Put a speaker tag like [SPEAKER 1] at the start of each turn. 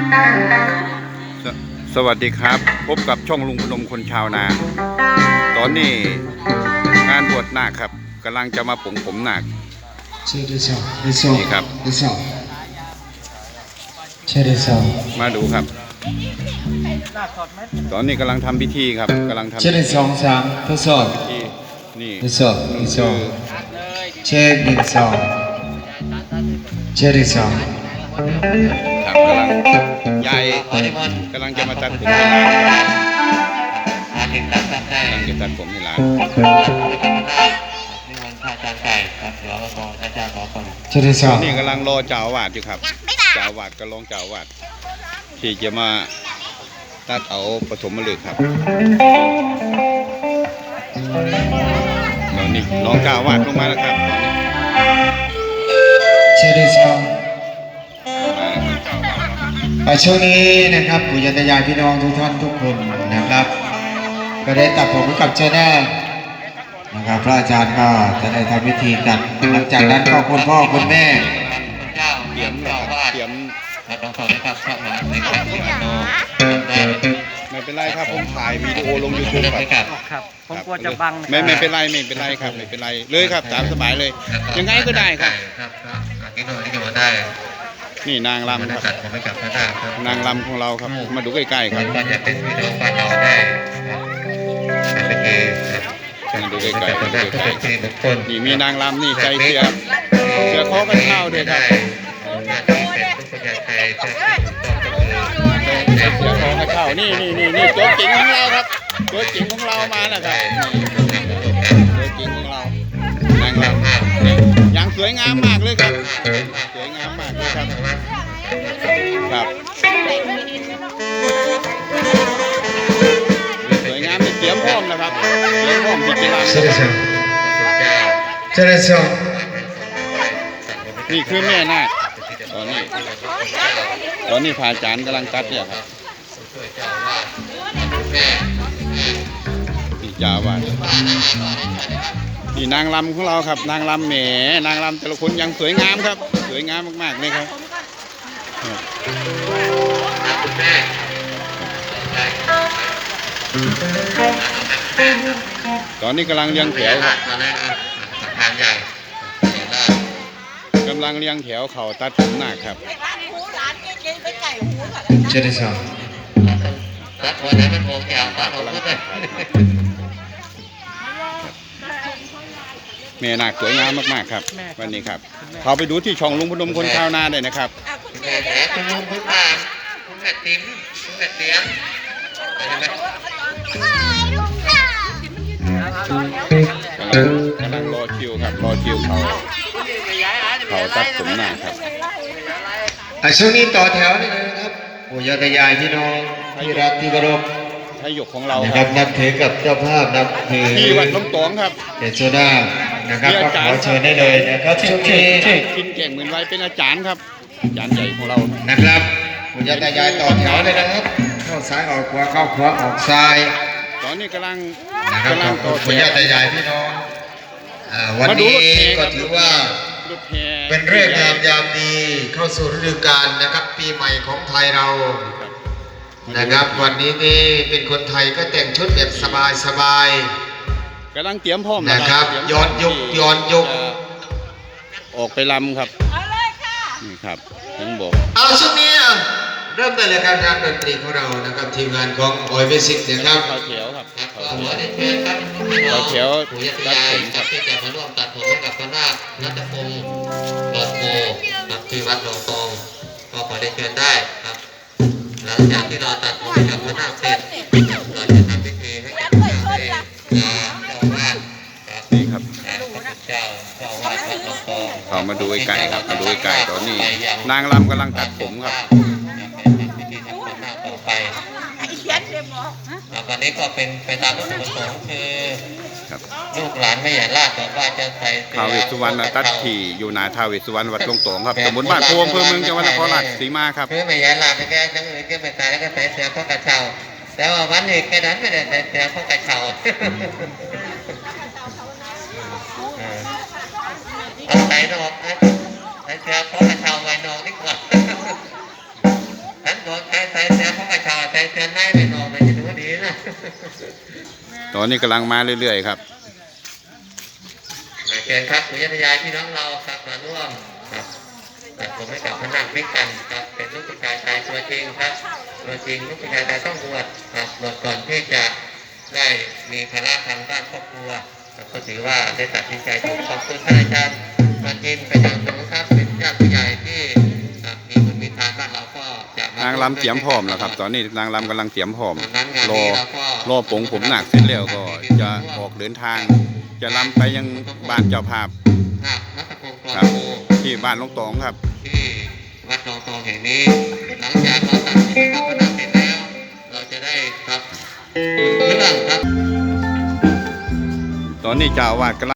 [SPEAKER 1] สวัสดีครับพบกับช่องลุงพนมคนชาวนาตอนนี้งานบวชนาคครับกำลังจะมาผมนาคนี่ครับมาดูครับตอนนี้กำลังทำพิธีครับกำลังทำพิธีนี่ครับกำลังยายกำลังจะมาตัดผมที่ร้านกำลังจะตัดผมที่ร้านนี่กำลังรอเจ้าอาวาสอยู่ครับเจ้าอาวาสก็ลองเจ้าอาวาสที่จะมาตัดเอาปฐมฤกษ์ครับตอนนี้น้องเจ้าอาวาสลงมาแล้วครับ
[SPEAKER 2] ช่วงนี้นะครับปู่ย่าตายายพี่น้องทุกท่านทุกคนนะครับก็ได้ตัดผมกับเจ้าแน่นะครับพระอาจารย์ก็จะได้ทำพิธีกันหลังจากนั้นก็คุณพ่อคุณแม่
[SPEAKER 1] เตรียมไม่เป็นไรครับผมถ่ายวิดีโอลง YouTube
[SPEAKER 3] ครับผมกลัวจะบัง
[SPEAKER 1] ไม่เป็นไรครับไม่เป็นไรเลยครับตามสบายเลยยังไงก็ได้ครับนี่นางรำครับนางรำของเราครับมาดูใกล้ๆครับมาดูใกล้ๆนี่มีนางรำนี่ใจเสือคอกันข้าวด้วยครับเสือคอกันข้าวนี่ตัวจริงของเราครับตัวจริงของเรามาแล้วครับตัวจริงของเรานางรำอย่างสวยงามมากเลยครับสวยงามมากเลยครับครับสวยงามเตรียมพร้อมนะครับเตรียมพร้อมที่จะรำนี่คือแม่นาคตอนนี้พระอาจารย์กำลังตัดเนี่ยครับนี่เจ้าอาวาสนี่นางรำของเราครับนางรำแหมนางรำแต่ละคนยังสวยงามครับสวยงามมากๆเลยครับตอนนี้กำลังเรียงแถวครับกำลังเรียงแถวเขาตัดผมนาคครับ
[SPEAKER 2] เชิญครับ
[SPEAKER 1] แม่นาคสวยงามมากๆครับวันนี้ครับเขาไปดูที่ช่องลุงพนมคนชาวนาได้นะครับ
[SPEAKER 2] คุณลุงคุณป้าคุณแม่ติ๋มคุณแม่เตี้ยม
[SPEAKER 1] กำลังรอคิวครับรอคิวเขาตัดผมนาคครับ
[SPEAKER 2] ช่วงนี้ต่อแถวนี่นะครับปู่ย่าตายายพี่น้องที่รักที่เคารพ
[SPEAKER 1] ทายกของเรา
[SPEAKER 2] ครับนับถือกับเจ้าภาพนับถือ
[SPEAKER 1] ที่วัดลงตองครับ
[SPEAKER 2] เดชโซดานะครับก็ขอเชิญได้เลยนะครับช่วงนี้
[SPEAKER 1] กินแก่งเหมือนไว้เป็นอาจารย์ครับอาจารย์ใหญ่ของเรา
[SPEAKER 2] นะครับปู่ย่าตายายต่อแถวเลยนะครับเข้าซ้ายออกขวาเข้าขวาออกซ้าย
[SPEAKER 1] ตอนนี้กำลัง
[SPEAKER 2] ต่อปู่ย่าตายายพี่น้องวันนี้ก็ถือว่าเป็นเรื่องงามยามดีเข้าสู่ฤดูกาลนะครับปีใหม่ของไทยเรานะครับวันนี้นี่เป็นคนไทยก็แต่งชุดแบบสบาย
[SPEAKER 1] กำลังเตรียมพร้อม
[SPEAKER 2] นะครับย้อนยุค
[SPEAKER 1] ออกไปลำครับนี่ครับผมบอก
[SPEAKER 2] เอาช่วงนี้เริ่มได้เลยการดนตรีของเรานะครับทีมงานของออยเวสิกนะครับ
[SPEAKER 1] เขาเขียวครับเขาเขียวตัดผมครับ
[SPEAKER 2] ที่จะมาร่วมตัดผมให้กับคณะรัตพงศ์หลอดโพครับที่วัดหนองตองก็ขอได้เชิญได้ครับหลังจากที่เราตัดผมให้กับคณะเสร็จเราจะทำพิธีให้กับเจ้าอาวาส
[SPEAKER 1] นี่ครับ
[SPEAKER 2] เจ้าอาวาสวัดหนองตอง
[SPEAKER 1] เขามาดูไก่ครับมาดูไก่ตอนนี้นางรำกำลังตัดผมครับ
[SPEAKER 2] วันนี้ก็เป็นไปตามวัตถุประสงค์คือลูกหลานไม่ใหญ่ลาดบอกว่าจะใส่
[SPEAKER 1] ท้าวเวสสุวรรณตัดที่อยู่นาท้าวเวสสุวรรณวัดลงตองครับตำบลบ้านโพอำเภอเมืองจังหวัดนครราชสีมาครับ
[SPEAKER 2] คือไม่ใหญ่ลาดไม่แก่จังเลยก็ไม่ตายแล้วก็ใส่เสื้อข้อกระเช้าแต่ว่าวันนี้แค่นั้นไม่ได้ใส่เสื้อข้อกระเช้าใส่ดอกใส่เสื้อข้อกระเช้าไว้นอกนี่ก่อนฉันตัวใช้เสียงของกระชาใช้เสียงให้ไปนอนไปจะดูดีนะ
[SPEAKER 1] ตอนนี้กำลังมาเรื่อยๆครับ
[SPEAKER 2] เชิญครับคุณยายพี่น้องเราครับมาร่วมครับผมให้กับพนักพิกันครับเป็นลูกผู้ชายชายตัวจริงครับตัวจริงลูกผู้ชายชายต้องบวชครับบวชก่อนที่จะได้มีภาระทางด้านครอบครัวก็ถือว่าได้ตัดสินใจถูกขอบคุณท่านอาจารย์มาจินเป็นอย่างสูงครับเป็นญาติผู้ใหญ่ที่มีบุญมีทานบ้านเราก็จะ
[SPEAKER 1] นางรำเตรียมพร้อมแล้วครับ ตอนนี้นางรำกำลังเตรียมพร้อมรอปงผมหนักเสร็จแล้วก็จะออกเดินทาง จะรำไปยังบ้านเจ้าภาพครับที่บ้านลงตองครับ
[SPEAKER 2] ที่วัดหนองตองแห่งนี้หลังจากเราตัดสินกับพนักเสร็จแล้วเราจะได้ครับเครื่องครับ
[SPEAKER 1] ตอนนี้เจ้าอาวาสกำลัง